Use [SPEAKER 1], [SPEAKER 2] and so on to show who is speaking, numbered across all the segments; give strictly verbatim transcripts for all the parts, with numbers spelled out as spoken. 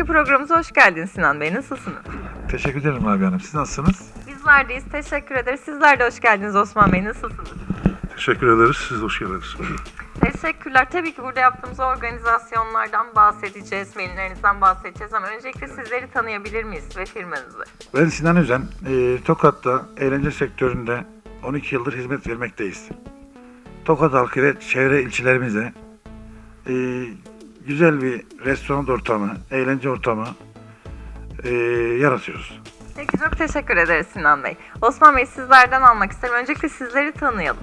[SPEAKER 1] programımıza hoş geldiniz Sinan Bey. Nasılsınız?
[SPEAKER 2] Teşekkür ederim Abi Hanım. Siz nasılsınız?
[SPEAKER 1] Bizler deyiz. Teşekkür ederiz. Sizler de hoş geldiniz Osman Bey. Nasılsınız?
[SPEAKER 3] Teşekkür ederiz. Siz de hoş geldiniz.
[SPEAKER 1] Teşekkürler. Tabii ki burada yaptığımız organizasyonlardan bahsedeceğiz, maillerinizden bahsedeceğiz ama öncelikle sizleri tanıyabilir miyiz ve firmanızı?
[SPEAKER 2] Ben Sinan Özen. E, Tokat'ta eğlence sektöründe on iki yıldır hizmet vermekteyiz. Tokat halkı ve çevre ilçelerimize e, güzel bir restoran ortamı, eğlence ortamı e, yaratıyoruz.
[SPEAKER 1] Peki çok teşekkür ederiz Sinan Bey. Osman Bey sizlerden almak isterim. Öncelikle sizleri tanıyalım.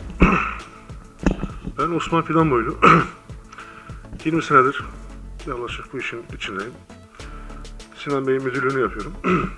[SPEAKER 3] Ben Osman Fidanboylu. yirmi senedir yaklaşık bu işin içindeyim. Sinan Bey'in müdürlüğünü yapıyorum.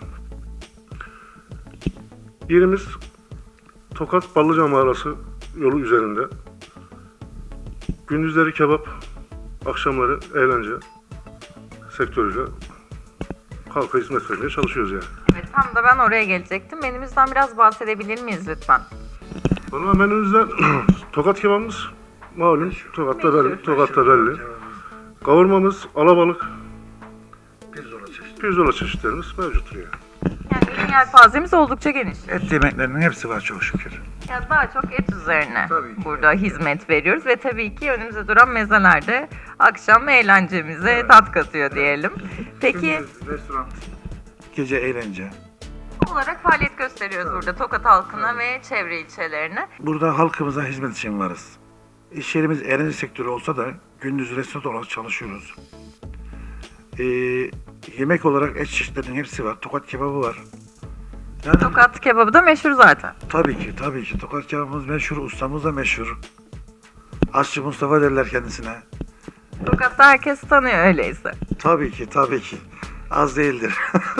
[SPEAKER 3] Yerimiz Tokat Ballıca Mağarası yolu üzerinde. Gündüzleri kebap, akşamları eğlence sektörüyle halka hizmet vermeye çalışıyoruz yani.
[SPEAKER 1] Evet, tam da ben oraya gelecektim. Menümüzden biraz bahsedebilir miyiz lütfen?
[SPEAKER 3] Valla menümüzde Tokat kebabımız malum Tokat'ta belli. Tokat'ta belli. Kavurmamız, alabalık,
[SPEAKER 2] Pirzola çeşitli.
[SPEAKER 3] pirzola çeşitlerimiz mevcuttur yani.
[SPEAKER 1] Yani ürün yelpazemiz oldukça geniş.
[SPEAKER 2] Et yemeklerinin hepsi var çok şükür.
[SPEAKER 1] Ya daha çok et üzerine
[SPEAKER 2] Tabii ki.
[SPEAKER 1] burada hizmet veriyoruz ve tabii ki önümüzde duran mezeler de akşam eğlencemize tat katıyor diyelim. Peki
[SPEAKER 2] Gündüz restoran, gece eğlence.
[SPEAKER 1] olarak faaliyet gösteriyoruz burada Tokat halkına ve çevre ilçelerine.
[SPEAKER 2] Burada halkımıza hizmet için varız. İş yerimiz eğlence sektörü olsa da gündüz restoran olarak çalışıyoruz. Ee, yemek olarak et çeşitlerinin hepsi var. Tokat kebabı var. Yani,
[SPEAKER 1] Tokat kebabı da meşhur zaten.
[SPEAKER 2] Tabii ki, tabii ki. Tokat kebabımız meşhur, ustamız da meşhur. Aşçı Mustafa derler kendisine.
[SPEAKER 1] Tokat'ta herkes tanıyor öyleyse.
[SPEAKER 2] Tabii ki, tabii ki. Az değildir.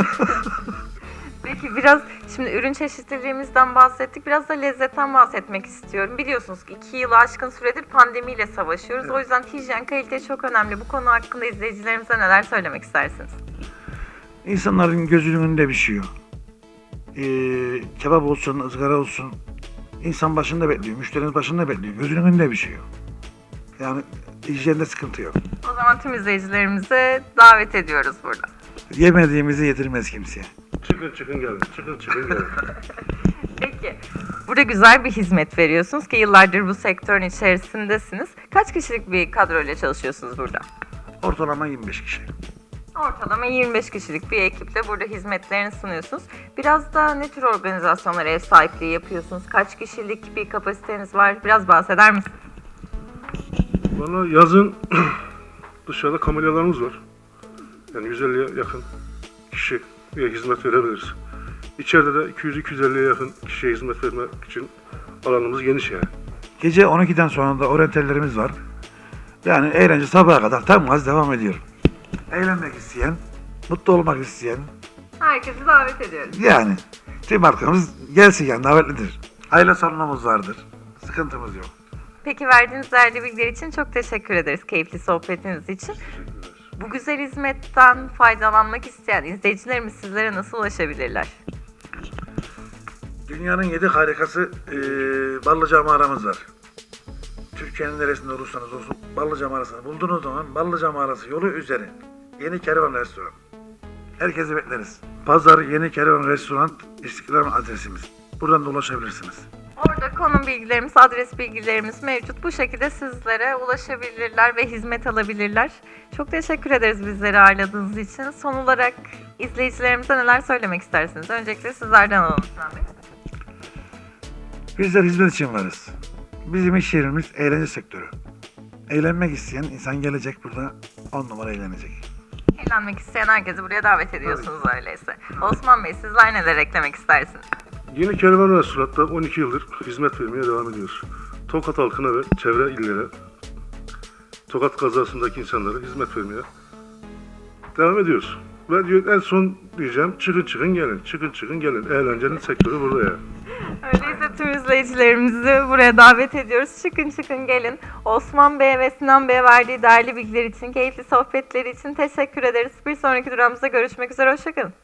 [SPEAKER 1] Peki biraz şimdi ürün çeşitliliğimizden bahsettik. Biraz da lezzetten bahsetmek istiyorum. Biliyorsunuz ki iki yılı aşkın süredir pandemiyle savaşıyoruz. O yüzden hijyen, kalite çok önemli. Bu konu hakkında izleyicilerimize neler söylemek istersiniz?
[SPEAKER 2] İnsanların gözünün önünde pişiyor. Ee, kebap olsun, ızgara olsun. İnsan başında bekliyor, müşteriniz başında bekliyor. Gözünün önünde pişiyor. Yani hijyende sıkıntı yok.
[SPEAKER 1] O zaman tüm izleyicilerimize davet ediyoruz burada.
[SPEAKER 2] Yemediğimizi yedirmez kimseye.
[SPEAKER 3] Çıkın çıkın gelin, çıkın çıkın gelin.
[SPEAKER 1] Peki, burada güzel bir hizmet veriyorsunuz ki yıllardır bu sektörün içerisindesiniz. Kaç kişilik bir kadroyla çalışıyorsunuz burada?
[SPEAKER 2] Ortalama yirmi beş kişi.
[SPEAKER 1] Ortalama yirmi beş kişilik bir ekiple burada hizmetlerini sunuyorsunuz. Biraz da ne tür organizasyonlara ev sahipliği yapıyorsunuz? Kaç kişilik bir kapasiteniz var? Biraz bahseder misiniz?
[SPEAKER 3] Valla yazın dışarıda kamelyalarımız var. Yani yüz elliye yakın kişiye hizmet verebiliriz. İçeride de iki yüz iki yüz elliye yakın kişiye hizmet vermek için alanımız geniş yani.
[SPEAKER 2] Gece on ikiden sonra da oryantallerimiz var. Yani eğlence sabaha kadar tam gaz devam ediyor. Eğlenmek isteyen, mutlu olmak isteyen,
[SPEAKER 1] Herkesi davet ediyoruz.
[SPEAKER 2] yani tüm halkımız gelsin yani davetlidir. Aile salonumuz vardır. Sıkıntımız yok.
[SPEAKER 1] Peki verdiğiniz değerli bilgiler için çok teşekkür ederiz keyifli sohbetiniz için. Bu güzel hizmetten faydalanmak isteyen izleyicilerimiz sizlere nasıl ulaşabilirler?
[SPEAKER 2] Dünyanın yedi harikası e, Ballıca mağaramız var. Türkiye'nin neresinde olursanız olsun Ballıca mağarasını bulduğunuz zaman Ballıca mağarası yolu üzeri Yeni Kervan Restoran. Herkesi bekleriz. Pazar Yeni Kervan Restoran İstiklal adresimiz. Buradan da ulaşabilirsiniz.
[SPEAKER 1] Orada konum bilgilerimiz, adres bilgilerimiz mevcut. Bu şekilde sizlere ulaşabilirler ve hizmet alabilirler. Çok teşekkür ederiz bizleri ağırladığınız için. Son olarak izleyicilerimize neler söylemek istersiniz? Öncelikle sizlerden alalım Sinan Bey.
[SPEAKER 2] Bizler hizmet için varız. Bizim iş yerimiz eğlence sektörü. Eğlenmek isteyen insan gelecek burada on numara eğlenecek.
[SPEAKER 1] Eğlenmek isteyen herkesi buraya davet ediyorsunuz öyleyse. Osman Bey sizler neler eklemek istersiniz?
[SPEAKER 3] Yeni Kervan Restoran'da on iki yıldır hizmet vermeye devam ediyoruz. Tokat halkına ve çevre illere, Tokat kazasındaki insanlara hizmet vermeye devam ediyoruz. Ve diyor, en son diyeceğim çıkın çıkın gelin, çıkın çıkın gelin. Eğlencenin sektörü burada ya.
[SPEAKER 1] Öyleyse tüm izleyicilerimizi buraya davet ediyoruz. Çıkın çıkın gelin. Osman Bey'e ve Sinan Bey'e verdiği değerli bilgiler için, keyifli sohbetleri için teşekkür ederiz. Bir sonraki durağımızda görüşmek üzere. Hoşçakalın.